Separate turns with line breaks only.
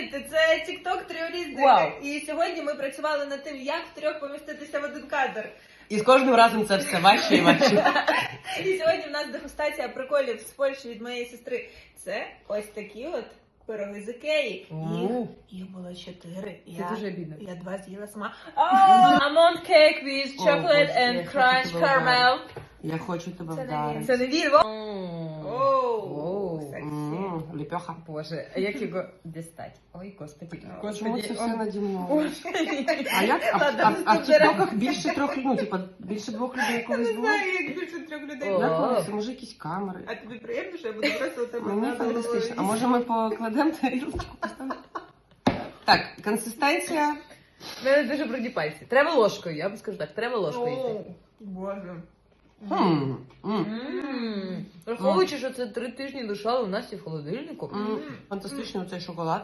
Привіт! Це TikTok Тріолістика.
Вау.
І сьогодні ми працювали над тим, як втрьох поміститися в один кадр.
І з кожним разом це все важче і важче.
І сьогодні в нас дегустація приколів з Польщі від моєї сестри. Це ось такі от пироги з Ікеї. Їх було 4.
Це дуже обідно.
Я 2 з'їла сама.
Almond cake with chocolate
Боже, я
and
хочу
crunch
тебе
caramel.
Я хочу тебе
Це не
вдарити.
Це не він.
Оу, сексі.
Ліпьоха.
Боже, а як його дістати? Ой, господи.
Чому це все
Ой.
наді мною? А як?
Ладно,
А в
наступний раз.
тіктоках більше 3 людей, ну, типа, більше 2 людей
Я
колись
не
було?
знаю, як більше 3 людей.
О.
Як вони? Це може якісь камери?
А тобі приємно, що я буду просто у тебе
Мені
на
фантастично. А може ми покладемо тарілочку? поставимо? Так, консистенція.
У мене дуже бруді пальці. Треба ложкою, я б скажу так, треба ложкою йти.
Оу, Боже.
Враховуючи, що це 3 тижні лишали у нас і в холодильнику.
Фантастичний оцей шоколад.